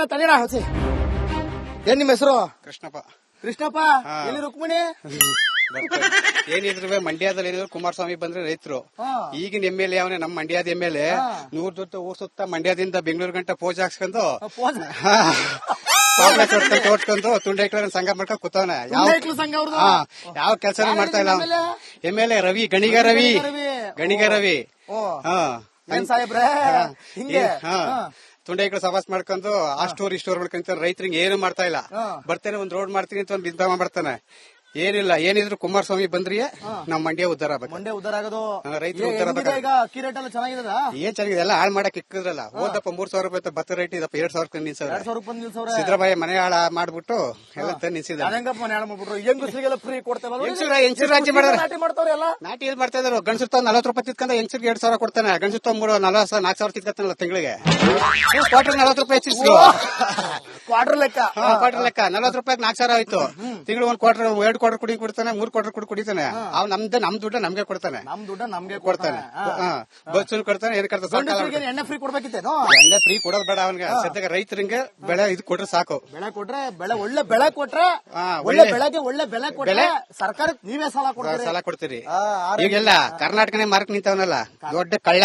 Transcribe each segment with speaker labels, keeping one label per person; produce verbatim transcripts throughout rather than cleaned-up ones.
Speaker 1: ತಲೆನಾ ತಲೆನಾ ಹೊಸಿ. ಏನ್ ನಿಮ್ಮ ಹೆಸರು?
Speaker 2: ಕೃಷ್ಣಪ್ಪ.
Speaker 1: ಕೃಷ್ಣಪ್ಪ, ಎಲ್ಲಿ ರುಕ್ಮಿಣಿ?
Speaker 2: ಏನಿದ್ರು ಮಂಡ್ಯದಲ್ಲಿ ಏನಿದ್ರು ಕುಮಾರಸ್ವಾಮಿ ಬಂದ್ರೆ ರೈತರು. ಈಗಿನ ಎಮ್ ಎಲ್ ಎ ಅವನೇ ನಮ್ಮ ಮಂಡ್ಯದ ಎಮ್ ಎಲ್ ಎ. ನೂರ್ ಜೊತೆ ಊರ್ ಸುತ್ತ ಮಂಡ್ಯದಿಂದ ಬೆಂಗಳೂರು ಗಂಟ ಪೋಜ್ ಹಾಕ್ಸ್ಕೊಂಡು ತೋಡ್ಕೊಂಡು ತುಂಡೈಕ್ಳ ಸಂಘ ಮಾಡ್ಕೊಂಡು ಕೂತವನೆ. ಯಾವ ಕೆಲಸನೂ ಮಾಡ್ತಾ ಇಲ್ಲ. M L A Ravi, Ganiga Ravi, Ganiga Ravi. ತುಂಡೈಕ್ಳು ಸವಾಸ ಮಾಡ್ಕೊಂಡು ಆ ಸ್ಟೋರ್ ಈ ಸ್ಟೋರ್ ಮಾಡ್ಕೊಂತ ರೈತರಿಗೆ ಏನು ಮಾಡ್ತಾ ಇಲ್ಲ. ಬರ್ತೇನೆ ಒಂದ್ ರೋಡ್ ಮಾಡ್ತೀನಿ ಅಂತ ಒಂದ್ ಬಿದ್ದ ಮಾಡ್ತಾನೆ. ಏನಿಲ್ಲ, ಏನಿದ್ರು ಕುಮಾರಸ್ವಾಮಿ ಬಂದ್ರಿ ನಮ್ ಮಂಡ್ಯ ಉದ್ದಾರ ಆಗ್ಬೇಕು.
Speaker 1: ಮಂಡ್ಯ ಉದ್ದಾರ ಆಗೋದು,
Speaker 2: ರೈತರು ಉದ್ದಾರ ಆಗ್ಬೇಕು.
Speaker 1: ಈಗ ಅಕ್ಕಿ ರೇಟ್ ಎಲ್ಲ ಚೆನ್ನಾಗಿದೆ.
Speaker 2: ಏನ್ ಚೆನ್ನಾಗಿದೆ, ಎಲ್ಲ ಹಾಳು ಮಾಡಕ್ ಇಕ್ಕಿದ್ರಲ್ಲ. ಹೋದಪ್ಪ ಮೂರ್ ಸಾವಿರ ರೂಪಾಯಿ ಭತ್ತ ರೇಟ್ ಇದಪ್ಪ ಎರಡ್ ಸಾವಿರ ನಿಲ್ಸವ್ರೆ. ಸಿದ್ದರಾಮಯ್ಯ ಮನೆ ಹಾಳ ಮಾಡ್ಬಿಟ್ಟು ಎಲ್ಲ ತಂದು ನಿಲ್ಸಿದ್ದಾರೆ.
Speaker 1: ಮನೆ ಹಾಳು ಮಾಡ್ಬಿಟ್ರು. ಹೆಂಗಸರಿಗೆಲ್ಲ ಫ್ರೀ ಕೊಡ್ತೇವೆ.
Speaker 2: ಹೆಂಗಸರು ರಾಜ್ಯ ಮಾಡ್ತಾರೆ. ನಾಟಿ ಏನ್ ಮಾಡ್ತಾ ಇದ್ರು, ಗಂಡಸರು ತಾವ್ ನಲವತ್ತು ರೂಪಾಯಿ ತಿತ್ಕೊಂಡ ಹೆಂಗಸರಿಗೆ ಎರಡ್ ಸಾವಿರ ಕೊಡ್ತಾನೆ. ಗಂಡಸರು ತಾವ್ ಮೂರು ನಲವತ್ತು ನಾಲ್ಕು ಸಾವಿರ ತಿತ್ಕೊತಾನಲ್ಲ ತಿಂಗಳಿಗೆ. ಕ್ವಾರ್ಟರ್ ನಲವತ್ತು ರೂಪಾಯಿ ಹೆಚ್ಚಿಸ್ರು.
Speaker 1: ಕ್ವಾರ್ಟರ್ ಲೆಕ್ಕ
Speaker 2: ಕ್ವಾರ್ಟರ್ ಲೆಕ್ಕ ನಲವತ್ತು ರೂಪಾಯಿ ನಾಲ್ಕು ಸಾವಿರ ಆಯ್ತು. ತಿಂಗಳು ಒಂದ್ ಕ್ವಾರ್ಟರ್ ಎರಡು ಕ್ವಾರ್ಟರ್ ಕುಡಿ ಕೊಡ್ತಾನೆ, ಮೂರ್ ಕ್ವಾರ್ಟರ್ ಕುಡಿ ಕುಡಿತಾನೆ. ಅವ್ ನಮ್ದು ನಮ್ ದುಡ್ಡ ನಮ್ಗೆ ಕೊಡ್ತಾನೆ.
Speaker 1: ನಮ್ ದುಡ್ಡ ನಮ್ಗೆ
Speaker 2: ಕೊಡ್ತಾನೆ. ಬಸ್ ಕೊಡ್ತಾನೆ, ಏನ್ ಕೊಡ್ತಾನೆ.
Speaker 1: ಎಣ್ಣೆ ಫ್ರೀ ಕೊಡ್ಬೇಕಿತ್ತೇನೋ.
Speaker 2: ಎಣ್ಣೆ ಫ್ರೀ ಕೊಡೋದ್ ಬೇಡ ಅವನ್ಗೆ. ಸದ್ಯಕ್ಕೆ ರೈತರಿಗೆ ಬೆಳೆ ಇದು ಕೊಟ್ರೆ ಸಾಕು.
Speaker 1: ಬೆಳೆ ಕೊಟ್ರೆ ಬೆಳೆ ಒಳ್ಳೆ ಬೆಳೆ ಕೊಟ್ರೆ ಒಳ್ಳೆ ಬೆಳೆಗೆ ಒಳ್ಳೆ ಬೆಲೆ ಕೊಟ್ರೆ ಸರ್ಕಾರಕ್ಕೆ ನೀವೇ ಸಾಲ ಕೊಡ್ತೀರಿ.
Speaker 2: ಸಾಲ ಕೊಡ್ತೀರಿ. ಈಗೆಲ್ಲ ಕರ್ನಾಟಕನೇ ಮಾರ್ಕ್ ನಿಂತವನಲ್ಲ, ದೊಡ್ಡ ಕಳ್ಳ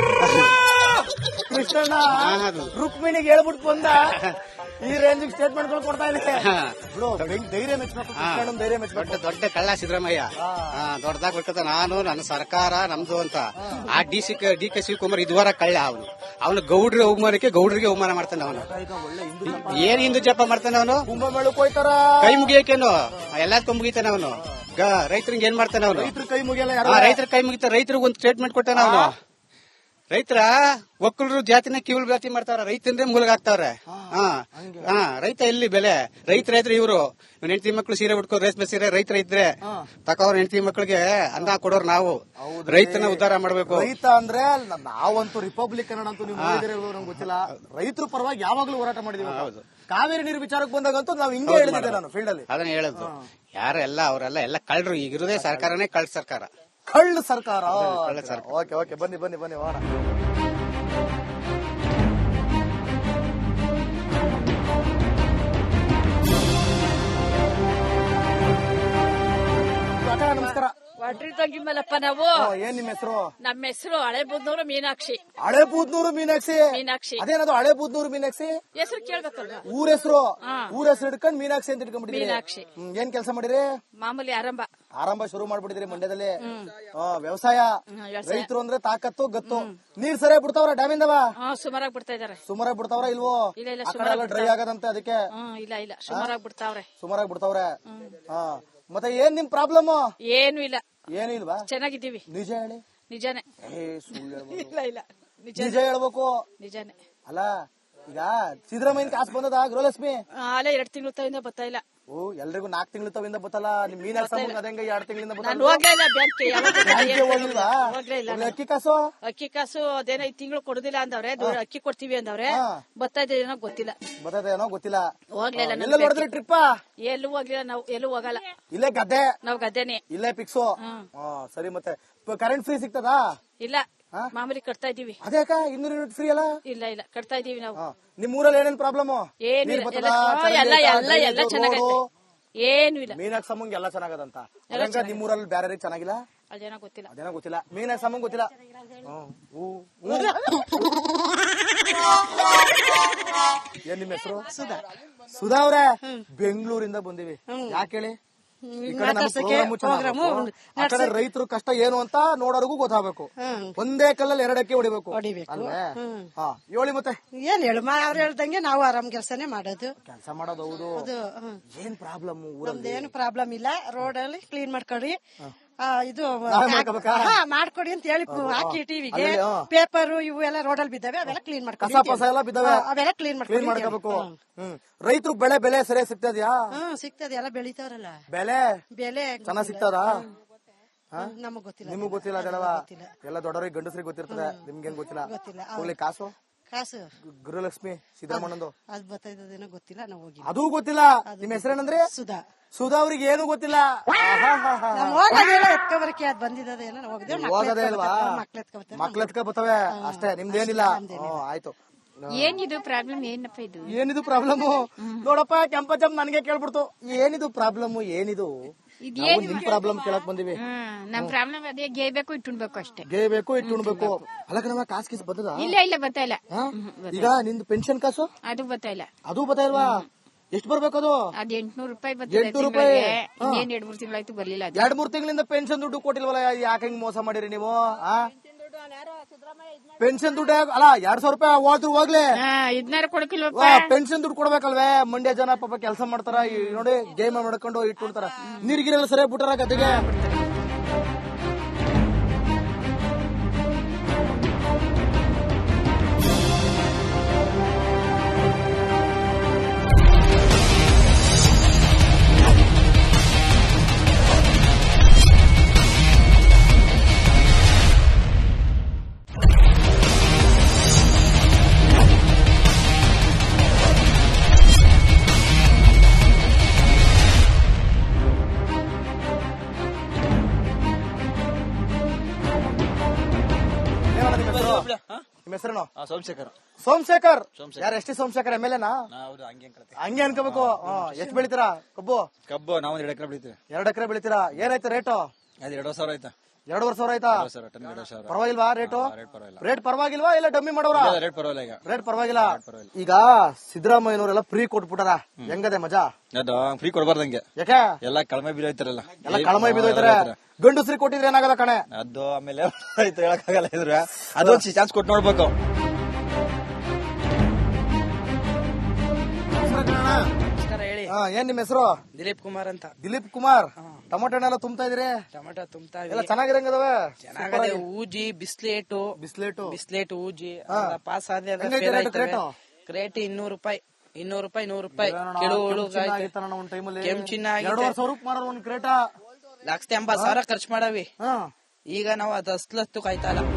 Speaker 1: ಕೃಷ್ಣಣ್ಣ. ರುಕ್ಮಿಣಿಗೆ ಹೇಳ್ಬಿಟ್ಟು ಬಂದ ಈ ರೇಂಜ್ ಸ್ಟೇಟ್ಮೆಂಟ್ ಗಳು ಕೊಡ್ತಾ ಇದೆ. ಧೈರ್ಯ ಮೆಚ್ಚಬೇಕು, ಧೈರ್ಯ ಮೆಚ್ಚಬೇಕು.
Speaker 2: ದೊಡ್ಡ ದೊಡ್ಡ ಕಳ್ಳ ಸಿದ್ದರಾಮಯ್ಯ. ದೊಡ್ಡದಾಗ ಬಿಡ್ತದ ನಾನು ನನ್ನ ಸರ್ಕಾರ ನಮ್ದು ಅಂತ. ಆ D C D K Shivakumar ಇದುವರ ಕಳ್ಳ. ಅವನು ಅವನು ಗೌಡ್ರ ಅವಮಾನಕ್ಕೆ ಗೌಡ್ರಿಗೆ ಅವಮಾನ ಮಾಡ್ತಾನೆ. ಅವನು ಏನ್ ಹಿಂದೂ ಜಪ ಮಾಡ್ತಾನೆ. ಅವನು
Speaker 1: ಕುಂಭಮೇಳಕ್ಕೆ ಹೋಯ್ತಾರ,
Speaker 2: ಕೈ ಮುಗಿಯಕೇನು ಎಲ್ಲದಕ್ಕೂ ಮುಗಿತಾನೆ. ಅವನು ರೈತರಿಗೆ ಏನ್ ಮಾಡ್ತಾನೆ. ಅವನು
Speaker 1: ರೈತರ ಕೈ ಮುಗಿಯಲ್ಲ,
Speaker 2: ರೈತರ ಕೈ ಮುಗಿತ. ರೈತರಿಗೆ ಒಂದು ಸ್ಟೇಟ್ಮೆಂಟ್ ಕೊಟ್ಟಾನ ಅವನು. ರೈತರ ಒಕ್ಕಲರು ಜಾತಿನ ಕಿವುಳು ಜಾತಿ ಮಾಡ್ತಾರ, ರೈತಂದ್ರೆ ಮೂಲಗಾಗ್ತಾವ್ರೆ. ಹಾ ರೈತ ಎಲ್ಲಿ ಬೆಲೆ? ರೈತ ರೈತರ ಇವರು ಹೆಂಡತಿ ಮಕ್ಳು ಸೀರೆ ಉಟ್ಕೋ, ರೇಷ್ಮೆ ಸೀರೆ ರೈತರ ಇದ್ರೆ ತಕೋರ್ ಹೆಂಡತಿ ಮಕ್ಳಿಗೆ ಅನ್ನ ಕೊಡೋರು ನಾವು. ರೈತನ ಉದ್ಧಾರ ಮಾಡ್ಬೇಕು.
Speaker 1: ರೈತ ಅಂದ್ರೆ ನಾವಂತೂ ರಿಪಬ್ಲಿಕ್ ಕನ್ನಡ ಅಂತೂ ನೀವು ನಂಗೆ ಗೊತ್ತಿಲ್ಲ. ರೈತರ ಪರವಾಗಿ ಯಾವಾಗ್ಲೂ ಹೋರಾಟ ಮಾಡಿದೀವಿ. ಹೌದು, ಕಾವೇರಿ ನೀರು ವಿಚಾರಕ್ಕೆ ಬಂದಾಗಂತೂ ನಾವು ಹಿಂಗೆ ಹೇಳಿದ್ದೆ ನಾನು ಫೀಲ್ಡ್ ಅಲ್ಲಿ.
Speaker 2: ಅದನ್ನ ಹೇಳದ್ದು ಯಾರೆಲ್ಲ ಅವರೆಲ್ಲ ಎಲ್ಲ ಕಳ್ರು. ಈಗಿರೋದೇ ಸರ್ಕಾರನೇ ಕಳ್ಳ ಸರ್ಕಾರ,
Speaker 1: ಕಳ್ಳ ಸರ್ಕಾರ.
Speaker 2: ಓಕೆ
Speaker 1: ಓಕೆ, ಬನ್ನಿ ಬನ್ನಿ ಬನ್ನಿ ಹೋಗೋಣ. ನಮಸ್ಕಾರ.
Speaker 3: ವಡ್ರಿ ತಂಗಿ ಮಲ್ಲಪ್ಪ ನಾವು.
Speaker 1: ಏನ್ ನಿಮ್ಮ ಹೆಸರು?
Speaker 3: ನಮ್ಮ ಹೆಸರು ಹಳೆ ಬೂದ್ನೂರು ಮೀನಾಕ್ಷಿ.
Speaker 1: ಹಳೆ ಬೂದ್ನೂರು ಮೀನಾಕ್ಷಿ.
Speaker 3: ಮೀನಾಕ್ಷಿ
Speaker 1: ಅದೇನದು ಹಳೆ ಬೂದ್ನೂರು ಮೀನಾಕ್ಷಿ
Speaker 3: ಹೆಸರು ಕೇಳ್ಬೇಕಲ್ವಾ?
Speaker 1: ಊರ ಹೆಸರು ಊರ ಹೆಸರು ಹಿಡ್ಕೊಂಡು ಮೀನಾಕ್ಷಿ ಅಂತ ಇಟ್ಕೊಂಡ್ಬಿಟ್ಟಿದ್ರಿ.
Speaker 3: ಮೀನಾಕ್ಷಿ.
Speaker 1: ಏನ್ ಕೆಲಸ ಮಾಡಿರಿ?
Speaker 3: ಮಾಮೂಲಿ ಆರಂಭ
Speaker 1: ಆರಂಭ ಶುರು ಮಾಡ್ಬಿಟ್ಟಿದ್ರಿ ಮಂಡ್ಯದಲ್ಲಿ. ವ್ಯವಸಾಯ. ರೈತರು ಅಂದ್ರೆ ತಾಕತ್ತು ಗತ್ತು. ನೀರ್ ಸರಿಯಾಗಿ ಬಿಡ್ತಾವ್ರ ಡ್ಯಾಮಿಂದವ?
Speaker 3: ಸುಮಾರಾಗಿ ಬಿಡ್ತಾ ಇದಾರೆ.
Speaker 1: ಸುಮಾರಾಗಿ ಬಿಡ್ತಾವ್ರ ಇಲ್ವೋ?
Speaker 3: ಇಲ್ಲ ಇಲ್ಲ, ಸುಮಾರಾಗಿ
Speaker 1: ಡ್ರೈ ಆಗದಂತೆ ಅದಕ್ಕೆ.
Speaker 3: ಇಲ್ಲ ಇಲ್ಲ, ಸುಮಾರಾಗಿ ಬಿಡ್ತಾವ್ರೆ.
Speaker 1: ಸುಮಾರಾಗಿ ಬಿಡ್ತಾವ್ರೆ. ಹಾ, ಮತ್ತೆ ಏನ್ ನಿಮ್ ಪ್ರಾಬ್ಲಮ್?
Speaker 3: ಏನು ಇಲ್ಲ.
Speaker 1: ಏನು ಇಲ್ವಾ?
Speaker 3: ಚೆನ್ನಾಗಿದ್ದೀವಿ.
Speaker 1: ನಿಜ ಹೇಳಿ.
Speaker 3: ನಿಜಾನೇ. ಇಲ್ಲ ಇಲ್ಲ,
Speaker 1: ನಿಜ ಹೇಳ್ಬೇಕು.
Speaker 3: ನಿಜಾನೇ.
Speaker 1: ಅಲ್ಲ, ಈಗ ಸಿದ್ದರಾಮಯ್ಯ ಕಾಸು ಬಂದದ ಗೃಹಲಕ್ಷ್ಮಿ?
Speaker 3: ಅಲ್ಲೇ ಎರಡ್ ತಿಂಗಳು ತವಿಂದ ಬರ್ತಾ ಇಲ್ಲ.
Speaker 1: ಓ, ಎಲ್ರಿಗೂ ನಾಲ್ಕು ತಿಂಗಳು ತವಿಂದ ಬತ್ತಲ್ಲ. ನಿಮ್ ಮೀನಾಕ್ಷಿ ಅದಂಗ ಎರಡ್ ತಿಂಗಳಿಂದ ಅಕ್ಕಿ ಕಾಸು
Speaker 3: ಅಕ್ಕಿ ಕಾಸು ಅದೇನೋ ಈ ತಿಂಗಳು ಕೊಡುದಿಲ್ಲ ಅಂದವ್ರೆ. ಅಕ್ಕಿ ಕೊಡ್ತೀವಿ ಅಂದವ್ರೆ. ಬರ್ತಾ ಇದೆ ಏನೋ ಗೊತ್ತಿಲ್ಲ.
Speaker 1: ಬರ್ತದೆ ಏನೋ ಗೊತ್ತಿಲ್ಲ.
Speaker 3: ಹೋಗ್ಲಿಲ್ಲ.
Speaker 1: ನೋಡಿದ್ರಿ ಟ್ರಿಪ್?
Speaker 3: ಎಲ್ಲೂ ಹೋಗ್ಲಿಲ್ಲ ನಾವು, ಎಲ್ಲೂ ಹೋಗಲ್ಲ.
Speaker 1: ಇಲ್ಲೇ ಗದ್ದೆ?
Speaker 3: ನಾವ್ ಗದ್ದೆನೆ.
Speaker 1: ಇಲ್ಲೇ ಫಿಕ್ಸು. ಸರಿ, ಮತ್ತೆ ಕರೆಂಟ್ ಫ್ರೀ ಸಿಗ್ತದಾ?
Speaker 3: ಇಲ್ಲ, ಮಾಮೂಲಿ ಕಟ್ತಾ ಇದೀವಿ.
Speaker 1: ಅದೇಕ ಇನ್ನೂರು ಯೂನಿಟ್ ಫ್ರೀ ಅಲ್ಲ?
Speaker 3: ಇಲ್ಲ ಇಲ್ಲ, ಕಟ್ತಾ ಇದೀವಿ ನಾವು.
Speaker 1: ನಿಮ್ ಊರಲ್ಲಿ ಏನೇನ್ ಪ್ರಾಬ್ಲಮ್?
Speaker 3: ಏನು ಎಲ್ಲ ಎಲ್ಲ ಎಲ್ಲ ಚೆನ್ನಾಗೈತೆ. ಏನು ಇಲ್ಲ.
Speaker 1: ಮೀನಾಕ್ಷಿ ಸಮ್ಮಂಗ್ ಎಲ್ಲ ಚೆನ್ನಾಗದಂತ. ನಿಮ್ ಊರಲ್ಲಿ ಬೇರೆ ಚೆನ್ನಾಗಿಲ್ಲ?
Speaker 3: ಅದೇನೋ ಗೊತ್ತಿಲ್ಲ.
Speaker 1: ಅದೇನೋ ಗೊತ್ತಿಲ್ಲ. ಮೀನಾಕ್ಷಿ ಸಮ್ಮಂಗ್ ಗೊತ್ತಿಲ್ಲ. ಏನ್ ನಿಮ್ ಹೆಸರು?
Speaker 4: ಸುಧಾ.
Speaker 1: ಸುಧಾ ಅವ್ರೆ, ಬೆಂಗಳೂರಿಂದ ಬಂದಿವಿ. ಯಾಕೆ ಹೇಳಿ? ರೈತರು ಕಷ್ಟ ಏನು ಅಂತ ನೋಡೋರ್ಗು ಗೊತ್ತಾಗಬೇಕು. ಒಂದೇ ಕಲ್ಲಲ್ಲಿ ಎರಡಕ್ಕೆ ಹೊಡಿಬೇಕು. ಅಲ್ವೇ? ಹಾ, ಹೇಳಿ ಮತ್ತೆ.
Speaker 4: ಏನ್ ಹೇಳು, ಅವ್ರು ಹೇಳ್ದಂಗೆ ನಾವು ಆರಾಮ್ ಕೆಲಸನೇ ಮಾಡೋದು.
Speaker 1: ಕೆಲಸ ಮಾಡೋದು. ಹೌದು. ಏನ್ ಪ್ರಾಬ್ಲಮ್ ಊರಲ್ಲಿ?
Speaker 4: ಏನು ಪ್ರಾಬ್ಲಮ್ ಇಲ್ಲ. ರೋಡ್ ಅಲ್ಲಿ ಕ್ಲೀನ್ ಮಾಡ್ಕೊಡಿ, ಇದು ಮಾಡ್ಕೊಡಿ ಅಂತ ಹೇಳಿ ಹಾಕಿ ಟಿವಿಗೆ. ಪೇಪರ್ ಇವು ಎಲ್ಲ ರೋಡಲ್ಲಿ ಬಿದ್ದಾವೆ, ಅವೆಲ್ಲ ಕ್ಲೀನ್ ಮಾಡ್ಕೊಂಡು
Speaker 1: ಕಸ ಪಸ ಎಲ್ಲ ಬಿದ್ದಾವೆ,
Speaker 4: ಅವೆಲ್ಲ ಕ್ಲೀನ್
Speaker 1: ಕ್ಲೀನ್ ಮಾಡ್ಕೋಬೇಕು. ರೈತರು ಬೆಳೆ ಬೆಲೆ ಸರಿಯಾಗಿ ಸಿಗ್ತದ್ಯಾ?
Speaker 4: ಹ್ಮ್, ಸಿಗ್ತದೆ. ಎಲ್ಲ ಬೆಳಿತಾವ್ರಲ್ಲ.
Speaker 1: ಬೆಲೆ
Speaker 4: ಬೆಲೆ
Speaker 1: ಚೆನ್ನಾಗ್ ಸಿಗ್ತದ?
Speaker 4: ನಮಗ್ ಗೊತ್ತಿಲ್ಲ.
Speaker 1: ನಿಮಗ್ ಗೊತ್ತಿಲ್ಲ ಅದೆಲ್ಲವಾ? ಎಲ್ಲ ದೊಡ್ಡವ್ರಿಗೆ ಗಂಡಸ್ರಿಗೆ ಗೊತ್ತಿರ್ತದೆ, ನಿಮ್ಗೇನ್ ಗೊತ್ತಿಲ್ಲ.
Speaker 4: ಗೊತ್ತಿಲ್ಲ.
Speaker 1: ಹೋಗ್ಲಿ, ಕಾಸು
Speaker 4: ಕಾಸು
Speaker 1: ಗೃಹಲಕ್ಷ್ಮಿ ಸಿದ್ದರಾಮಣ್ಣಂದು
Speaker 4: ಅದ್ ಬರ್ತಾಯಿದ್ದೇನೋ ಗೊತ್ತಿಲ್ಲ. ನಾವು ಹೋಗಿ
Speaker 1: ಅದು ಗೊತ್ತಿಲ್ಲ. ನಿಮ್ ಹೆಸರೇನಂದ್ರೆ?
Speaker 4: ಸುಧಾ.
Speaker 1: ಸುಧಾ ಅವ್ರಿಗೆ ಏನು ಗೊತ್ತಿಲ್ಲ.
Speaker 4: ಎತ್ಕೊಬರಕ್ಕೆ ಅದ್ ಬಂದಿದ್ದೇನೋ ಹೋಗದೆ.
Speaker 1: ಹೋಗದೇ ಇಲ್ವಾ? ಮಕ್ಳು ಎತ್ಕೊ ಬರ್ತವೆ ಅಷ್ಟೇ, ನಿಮ್ದೇನಿಲ್ಲ. ಆಯ್ತು.
Speaker 5: ಏನಿದು ಪ್ರಾಬ್ಲಮ್ ಏನಪ್ಪ ಇದು
Speaker 1: ಏನಿದು ಪ್ರಾಬ್ಲಮ್ ನೋಡಪ್ಪ ಕೆಂಪಚಮ್ ನನಗೆ ಕೇಳ್ಬಿಡ್ತು ಏನಿದು ಪ್ರಾಬ್ಲಮ್ ಏನಿದು ನಾವು ನಿಮ್ ಪ್ರಾಬ್ಲಮ್ ಕೇಳಕ್ ಬಂದಿವಿ
Speaker 5: ಹ್ಮ್ ನಮ್ ಪ್ರಾಬ್ಲಮ್ ಅದೇ ಗೇಯ್ಬೇಕು ಇಟ್ಟುಣ್ಬೇಕು ಅಷ್ಟೇ
Speaker 1: ಗೇಯ್ಬೇಕು ಇಟ್ಟು ಉಣ್ಬೇಕು ಅಲ್ಲಕ ನಮ್ಮ ಕಾಸ್ ಕೀಸ್ ಬರ್ತದ
Speaker 5: ಇಲ್ಲ ಇಲ್ಲ ಬರ್ತಾ ಇಲ್ಲ
Speaker 1: ಈಗ ನಿಂದು ಪೆನ್ಷನ್ ಕಾಸು
Speaker 5: ಅದು ಬರ್ತಾ ಇಲ್ಲ
Speaker 1: ಅದು ಬತ್ತಾ ಇಲ್ವಾ ಎಷ್ಟು ಬರ್ಬೇಕು ಅದು
Speaker 5: ಅದ್ ಎಂಟ್ನೂರು ರೂಪಾಯಿ ಬರ್ತದೆ
Speaker 1: ಎಂಟ್ನೂರು ರೂಪಾಯಿ
Speaker 5: ಇನ್ನೇನ್ ಎರಡ್ ಮೂರ್ ತಿಂಗಳಾಯ್ತು ಬರ್ಲಿಲ್ಲ ಅದು
Speaker 1: ಎರಡ್ ಮೂರ್ ತಿಂಗಳಿಂದ ಪೆನ್ಷನ್ ದುಡ್ಡು ಕೊಟ್ಟಿಲ್ವಲ್ಲ ಯಾಕೆ ಹಿಂಗ್ ಮೋಸ ಮಾಡಿರಿ ನೀವು ಪೆನ್ಷನ್ ದುಡ್ಡು ಅಲ್ಲ ಎರಡ್ ಸಾವಿರ ರೂಪಾಯಿ ಹೋದ್ರು ಹೋಗ್ಲಿ
Speaker 5: ಇದನ್ನಾರ ಕೊಡಕಿಲ್ವಪ್ಪ
Speaker 1: ಪೆನ್ಷನ್ ದುಡ್ಡು ಕೊಡ್ಬೇಕಲ್ವೇ ಮಂಡ್ಯ ಜನ ಪಾಪ ಕೆಲಸ ಮಾಡ್ತಾರ ಈ ನೋಡಿ ಗೇಮ್ ಮಾಡ್ಕೊಂಡು ಇಟ್ಬಿಡ್ತಾರ ನೀರ್ಗಿರೆಲ್ಲ ಸರಿಯಾಗಿ ಬಿಟ್ಟಾರ ಗದ್ದೆಗೆ ನಿಮ್ಮ ಹೆಸರೇನು?
Speaker 6: ಸೋಮಶೇಖರ್.
Speaker 1: ಸೋಮಶೇಖರ್ ಯಾರು? ಎಷ್ಟೇ ಸೋಮಶೇಖರ್ ಎಮ್ ಎಲ್ ಎನಾ?
Speaker 6: ಹಂಗೆ
Speaker 1: ಹಂಗೆ ಅನ್ಕೋಬೇಕು. ಎಷ್ಟು ಬೆಳಿತೀರಾ ಕಬ್ಬು?
Speaker 6: ಕಬ್ಬು ನಾವು ಎರಡು ಎಕರೆ ಬೆಳಿತೀವಿ.
Speaker 1: ಎರಡು ಎಕರೆ ಬೆಳಿತೀರಾ. ಏನಾಯ್ತು ರೇಟು?
Speaker 6: ಅದು ಎರಡು ಸಾವಿರ ಆಯ್ತಾ?
Speaker 1: ಎರಡೂವರೆ ಸಾವಿರ ಆಯ್ತಾ? ಪರವಾಗಿಲ್ವಾ ರೇಟು? ರೇಟ್ ಪರವಾಗಿಲ್ವಾ ಇಲ್ಲ ಡಮ್ಮಿ ಮಾಡೋರ?
Speaker 6: ರೇಟ್ ಪರವಾಗಿಲ್ಲ.
Speaker 1: ರೇಟ್ ಪರವಾಗಿಲ್ಲ. ಈಗ ಸಿದ್ದರಾಮಯ್ಯನವರೆಲ್ಲ ಫ್ರೀ ಕೊಟ್ಬಿಟ್ಟಾರ, ಹೆಂಗದೆ ಮಜಾ?
Speaker 6: ಅದು ಫ್ರೀ ಕೊಡಬಾರ್ದಂಗೆ.
Speaker 1: ಯಾಕೆ?
Speaker 6: ಎಲ್ಲ ಕಳಮೆ ಬಿದ್ದೋಯ್ತಾರಲ್ಲ,
Speaker 1: ಎಲ್ಲ ಕಳಮೈ ಬಿದ್ದೋಯ್ತಾರೆ. ಗಂಡಸ್ರಿ ಕೊಟ್ಟಿದ್ರೆ ಏನಾಗಲ್ಲ ಕಣೆ.
Speaker 6: ಅದು ಆಮೇಲೆ ಹೇಳಕ್ಕಾಗಲ್ಲ ಇದ್ರೆ ಅದೊಂದು ಚಾನ್ಸ್ ಕೊಟ್ಟು ನೋಡ್ಬೇಕು.
Speaker 7: ಹೇಳಿ.
Speaker 1: ಏನ್ ನಿಮ್ ಹೆಸರು?
Speaker 7: ದಿಲೀಪ್ ಕುಮಾರ್ ಅಂತ.
Speaker 1: ದಿಲೀಪ್ ಕುಮಾರ್. ಟೊಮೊಟೊ ಹಣ್ಣೆಲ್ಲ ತುಂಬ್ತಾ ಇದೀರಿ?
Speaker 7: ಟೊಮೆಟೊ ತುಂಬ್ತಾ
Speaker 1: ಎಲ್ಲ ಚೆನ್ನಾಗಿರಂಗದವೆ.
Speaker 7: ಚೆನ್ನಾಗದೆ. ಊಜಿ ಬಿಸ್ಲೇಟು
Speaker 1: ಬಿಸ್ಲೇಟು
Speaker 7: ಬಿಸ್ಲೇಟ್ ಊಜಿ
Speaker 1: ಹಾ.
Speaker 7: ಪಾಸ್ ಆದ್ರೆ
Speaker 1: ಹೆಂಗೈತೆ ರೇಟು ಕ್ರೇಟು?
Speaker 7: ಕ್ರೇಟ್ ಇನ್ನೂರು ರೂಪಾಯಿ ಇನ್ನೂರು ರೂಪಾಯಿ ನೂರು ರೂಪಾಯಿ ಕೆಳು
Speaker 1: ಒಂದ್ ಟೈಮಲ್ಲಿ
Speaker 7: ಕೆಂಪ್ ಚಿನ್ನ
Speaker 1: ಎರಡೂವರೆ ಸಾವಿರ ರೂಪಾಯಿ ಮಾರೋದು ಒಂದ್ ಕ್ರೇಟ.
Speaker 7: ಲಕ್ಷದ ಎಂಬತ್ ಸಾವಿರ ಖರ್ಚು ಮಾಡವಿ.
Speaker 1: ಹಾ
Speaker 7: ಈಗ ನಾವು ಅದ್ ಹಸ್ಲತ್ತು ಕಾಯ್ತಾ ಇಲ್ಲ.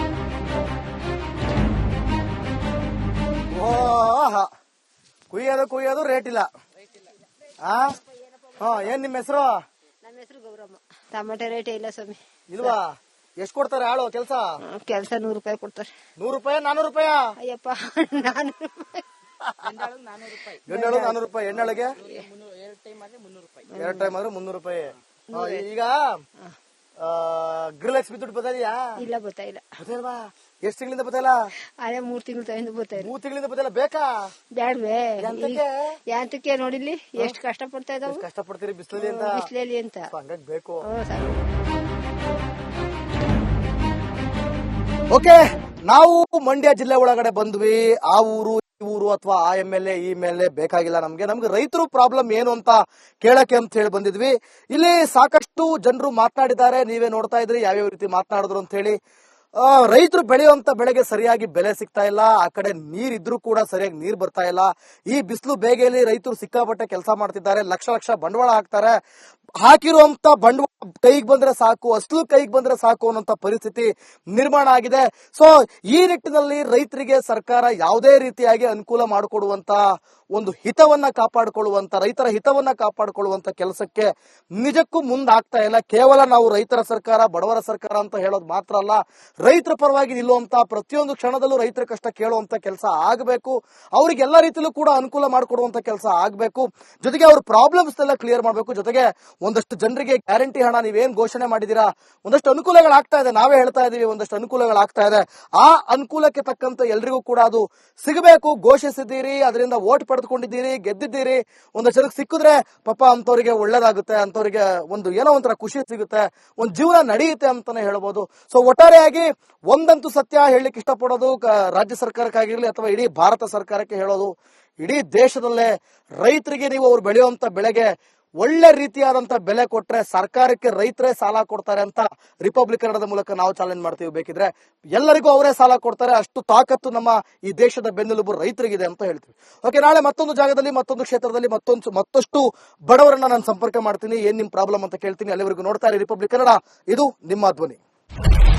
Speaker 1: ಓ ಕುಯ್ಯೋದು ಕುಯ್ಯೋದು ರೇಟ್ ಇಲ್ಲ. ಹಾ ಹಾ ಏನ್ ನಿಮ್ ಹೆಸರು?
Speaker 8: ನಮ್ಮ ಹೆಸರು ಗೌರಮ್ಮ. ಟಮಾಟೆ ರೇಟ್ ಇಲ್ಲ ಸ್ವಾಮಿ.
Speaker 1: ಇಲ್ವಾ? ಎಷ್ಟ್ ಕೊಡ್ತಾರೆ ಆಳು ಕೆಲ್ಸ?
Speaker 8: ಕೆಲಸ ನೂರು ರೂಪಾಯಿ ಕೊಡ್ತಾರೆ.
Speaker 1: ನೂರು ರೂಪಾಯಿ ನಾನೂರು ರೂಪಾಯ?
Speaker 8: ಅಯ್ಯಪ್ಪ ನಾನೂರು ರೂಪಾಯಿ.
Speaker 1: ಗಂಡಾಳು ನಾನೂರು ರೂಪಾಯಿ, ಹೆಣ್ಣಾಳಿಗೆ ಎರಡ್ ಟೈಮ್ ಆದ್ರೆ ಮುನ್ನೂರು ರೂಪಾಯಿ. ಹಾ, ಈಗ ಗೃಹಲಕ್ಷ್ಮಿ ದುಡ್ಡು ಬದಲಿಯಾ?
Speaker 8: ಇಲ್ಲ ಬರ್ತಾ ಇಲ್ಲ.
Speaker 1: ಬದಲ್ವಾ? ಎಷ್ಟ್ ತಿಂಗಳಿಂದ ಬದಲ?
Speaker 8: ಅದೇ ಮೂರ್ ತಿಂಗಳು ತಗೊಂಡು ಬರ್ತಾ ಇಲ್ಲ.
Speaker 1: ಮೂರ್ ತಿಂಗಳಿಂದ ಬದಲ ಬೇಕಾ?
Speaker 8: ಬ್ಯಾಡ್ವೇ?
Speaker 1: ಎಂತಕ್ಕೆ?
Speaker 8: ಯಾಂತಕ್ಕೆ ನೋಡಿಲ್ಲಿ ಎಷ್ಟು ಕಷ್ಟ ಪಡ್ತಾ ಇದಾವೆ.
Speaker 1: ಕಷ್ಟ ಪಡ್ತೀರಿ ಬಿಸಿಲಲ್ಲಿ ಅಂತ?
Speaker 8: ಬಿಸ್ಲೇಲಿ ಅಂತ
Speaker 1: ಹಂಗಾಗಿ ಬೇಕು.
Speaker 8: ಹ್ಮ್, ಸಾಕು.
Speaker 1: ಓಕೆ, ನಾವು ಮಂಡ್ಯ ಜಿಲ್ಲೆ ಒಳಗಡೆ ಬಂದ್ವಿ. ಆ ಊರು ಈ ಊರು ಅಥವಾ ಆ ಎಂ ಎಲ್ ಎ ಈ ಎಂ ಎಲ್ ಎ ಬೇಕಾಗಿಲ್ಲ ನಮ್ಗೆ. ನಮ್ಗೆ ರೈತರು ಪ್ರಾಬ್ಲಮ್ ಏನು ಅಂತ ಕೇಳಕ್ಕೆ ಅಂತ ಹೇಳಿ ಬಂದಿದ್ವಿ. ಇಲ್ಲಿ ಸಾಕಷ್ಟು ಜನರು ಮಾತನಾಡಿದ್ದಾರೆ, ನೀವೇ ನೋಡ್ತಾ ಇದ್ರಿ ಯಾವ್ಯಾವ ರೀತಿ ಮಾತನಾಡಿದ್ರು ಅಂತ ಹೇಳಿ. ರೈತರು ಬೆಳೆಯುವಂತ ಬೆಳೆಗೆ ಸರಿಯಾಗಿ ಬೆಲೆ ಸಿಗ್ತಾ ಇಲ್ಲ. ಆ ಕಡೆ ನೀರ್ ಇದ್ರೂ ಕೂಡ ಸರಿಯಾಗಿ ನೀರ್ ಬರ್ತಾ ಇಲ್ಲ. ಈ ಬಿಸಿಲು ಬೇಗೆಯಲ್ಲಿ ರೈತರು ಸಿಕ್ಕಾಪಟ್ಟೆ ಕೆಲಸ ಮಾಡ್ತಿದ್ದಾರೆ, ಲಕ್ಷ ಲಕ್ಷ ಬಂಡವಾಳ ಹಾಕ್ತಾರೆ. ಹಾಕಿರುವಂತ ಬಂಡವಾಳ ಕೈಗೆ ಬಂದ್ರೆ ಸಾಕು, ಅಸಲು ಕೈಗೆ ಬಂದ್ರೆ ಸಾಕು ಅನ್ನೋಂತ ಪರಿಸ್ಥಿತಿ ನಿರ್ಮಾಣ ಆಗಿದೆ. ಸೊ ಈ ನಿಟ್ಟಿನಲ್ಲಿ ರೈತರಿಗೆ ಸರ್ಕಾರ ಯಾವುದೇ ರೀತಿಯಾಗಿ ಅನುಕೂಲ ಮಾಡಿಕೊಡುವಂತ ಒಂದು ಹಿತವನ್ನ ಕಾಪಾಡಿಕೊಳ್ಳುವಂತ, ರೈತರ ಹಿತವನ್ನ ಕಾಪಾಡಿಕೊಳ್ಳುವಂತ ಕೆಲಸಕ್ಕೆ ನಿಜಕ್ಕೂ ಮುಂದಾಗ್ತಾ ಇಲ್ಲ. ಕೇವಲ ನಾವು ರೈತರ ಸರ್ಕಾರ, ಬಡವರ ಸರ್ಕಾರ ಅಂತ ಹೇಳೋದು ಮಾತ್ರ ಅಲ್ಲ, ರೈತರ ಪರವಾಗಿ ನಿಲ್ಲುವಂತ ಪ್ರತಿಯೊಂದು ಕ್ಷಣದಲ್ಲೂ ರೈತರ ಕಷ್ಟ ಕೇಳುವಂತ ಕೆಲಸ ಆಗಬೇಕು. ಅವ್ರಿಗೆ ಎಲ್ಲ ರೀತಿಯಲ್ಲೂ ಕೂಡ ಅನುಕೂಲ ಮಾಡಿಕೊಡುವಂತ ಕೆಲಸ ಆಗಬೇಕು. ಜೊತೆಗೆ ಅವ್ರ ಪ್ರಾಬ್ಲಮ್ಸ್ ಎಲ್ಲ ಕ್ಲಿಯರ್ ಮಾಡಬೇಕು. ಜೊತೆಗೆ ಒಂದಷ್ಟು ಜನರಿಗೆ ಗ್ಯಾರಂಟಿ ಹಣ ನೀವೇನ್ ಘೋಷಣೆ ಮಾಡಿದೀರಾ, ಒಂದಷ್ಟು ಅನುಕೂಲಗಳಾಗ್ತಾ ಇದೆ, ನಾವೇ ಹೇಳ್ತಾ ಇದೀವಿ, ಒಂದಷ್ಟು ಅನುಕೂಲಗಳಾಗ್ತಾ ಇದೆ. ಆ ಅನುಕೂಲಕ್ಕೆ ತಕ್ಕಂತ ಎಲ್ರಿಗೂ ಕೂಡ ಅದು ಸಿಗಬೇಕು. ಘೋಷಿಸಿದ್ದೀರಿ, ಅದರಿಂದ ವೋಟ್ ಪಡೆದುಕೊಂಡಿದ್ದೀರಿ, ಗೆದ್ದಿದ್ದೀರಿ. ಒಂದಷ್ಟು ಜನಕ್ಕೆ ಸಿಕ್ಕಿದ್ರೆ ಪಾಪ ಅಂತವ್ರಿಗೆ ಒಳ್ಳೇದಾಗುತ್ತೆ, ಅಂತವ್ರಿಗೆ ಒಂದು ಏನೋ ಒಂಥರ ಖುಷಿ ಸಿಗುತ್ತೆ, ಒಂದು ಜೀವನ ನಡೆಯುತ್ತೆ ಅಂತಾನೆ ಹೇಳ್ಬೋದು. ಸೊ ಒಟ್ಟಾರೆಯಾಗಿ ಒಂದಂತೂ ಸತ್ಯ ಹೇಳಲಿಕ್ಕೆ ಇಷ್ಟಪಡೋದು, ರಾಜ್ಯ ಸರ್ಕಾರಕ್ಕಾಗಿರ್ಲಿ ಅಥವಾ ಇಡೀ ಭಾರತ ಸರ್ಕಾರಕ್ಕೆ ಹೇಳೋದು, ಇಡೀ ದೇಶದಲ್ಲೇ ರೈತರಿಗೆ ನೀವು ಅವ್ರು ಬೆಳೆಯುವಂತ ಬೆಳೆಗೆ ಒಳ್ಳೆ ರೀತಿಯಾದಂತ ಬೆಲೆ ಕೊಟ್ರೆ ಸರ್ಕಾರಕ್ಕೆ ರೈತರೇ ಸಾಲ ಕೊಡ್ತಾರೆ ಅಂತ ರಿಪಬ್ಲಿಕ್ ಕನ್ನಡದ ಮೂಲಕ ನಾವು ಚಾಲೆಂಜ್ ಮಾಡ್ತೀವಿ. ಬೇಕಿದ್ರೆ ಎಲ್ಲರಿಗೂ ಅವರೇ ಸಾಲ ಕೊಡ್ತಾರೆ, ಅಷ್ಟು ತಾಕತ್ತು ನಮ್ಮ ಈ ದೇಶದ ಬೆನ್ನೆಲುಬು ರೈತರಿಗಿದೆ ಅಂತ ಹೇಳ್ತೀವಿ. ಓಕೆ, ನಾಳೆ ಮತ್ತೊಂದು ಜಾಗದಲ್ಲಿ, ಮತ್ತೊಂದು ಕ್ಷೇತ್ರದಲ್ಲಿ, ಮತ್ತೊಂದು ಮತ್ತಷ್ಟು ಬಡವರನ್ನ ನಾನು ಸಂಪರ್ಕ ಮಾಡ್ತೀನಿ, ಏನ್ ನಿಮ್ ಪ್ರಾಬ್ಲಮ್ ಅಂತ ಕೇಳ್ತೀನಿ. ಅಲ್ಲಿವರೆಗೂ ನೋಡ್ತಾ ಇರಿ ರಿಪಬ್ಲಿಕ್ ಕನ್ನಡ, ಇದು ನಿಮ್ಮ ಧ್ವನಿ.